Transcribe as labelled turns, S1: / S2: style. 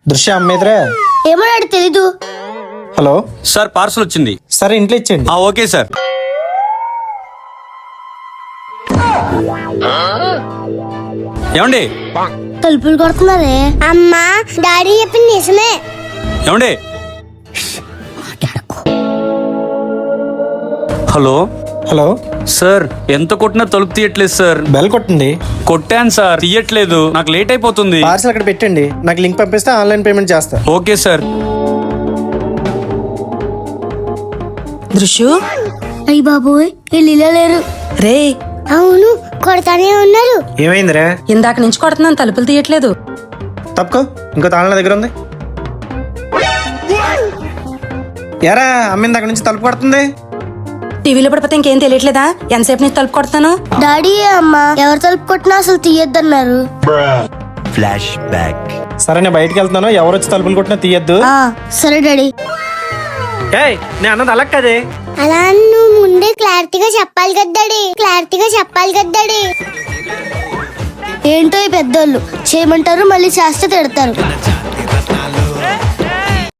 S1: దృశ్య అమ్మేదిరా.
S2: ఏమో తెలీదు.
S1: హలో
S3: సార్ పార్సల్ వచ్చింది.
S1: సరే ఇంట్లో ఇచ్చేయండి.
S3: Okay sir. ఏమండి
S2: తలుపులు కొడుతున్నారే. అమ్మా డాడీ చెప్పింది నిజమే.
S3: ఏమండి హలో
S1: హలో
S3: సార్, ఎంత కొట్టినా తలుపు తీయట్లేదు సార్.
S1: బెల్ కొట్టండి.
S3: కొట్టాను సార్, తీయట్లేదు. నాకు లేట్ అయిపోతుంది.
S1: పార్సల్ అక్కడ పెట్టండి, నాకు లింక్ పంపిస్తే ఆన్లైన్ పేమెంట్ చేస్తా.
S3: Okay sir.
S4: దృశ్యు,
S2: అయ్యి బాబోయ్ వీళ్ళు లేరు.
S4: రే
S2: అవును కొడతానే ఉన్నారు.
S1: ఏమైందిరా?
S4: ఇందాక నుంచి కొడుతున్నాను, తలుపులు తీయట్లేదు.
S1: తప్పుకో, ఇంకో తాళం నా దగ్గర ఉంది. ఎరా అమ్మింది అక్కడ నుంచి తలుపు కొడుతుంది.
S4: టీవీలో పడిపోతే ఇంకేం తెలియట్లేదా? ఎంతసేపు నుంచి తలుపు కొడతాను.
S2: డాడీ అమ్మా ఎవరు తలుపు కొట్టినా అసలు తీయొద్దన్నారు.
S5: Flash back.
S1: సరే నేను బయటకు వెళ్తున్నాను, ఎవరు వచ్చి తలుపులు కొట్టినా తీయద్దు.
S2: సరే డాడీ.
S1: నేను అన్నది అలా కదే.
S2: అలా నువ్వు ముందే క్లారిటీగా చెప్పాలి కదా డాడీ. క్లారిటీగా చెప్పాలి కదా డాడీ. ఏంటో ఈ పెద్దోళ్ళు చేయమంటారు, మళ్ళీ చేస్తే తిడతారు.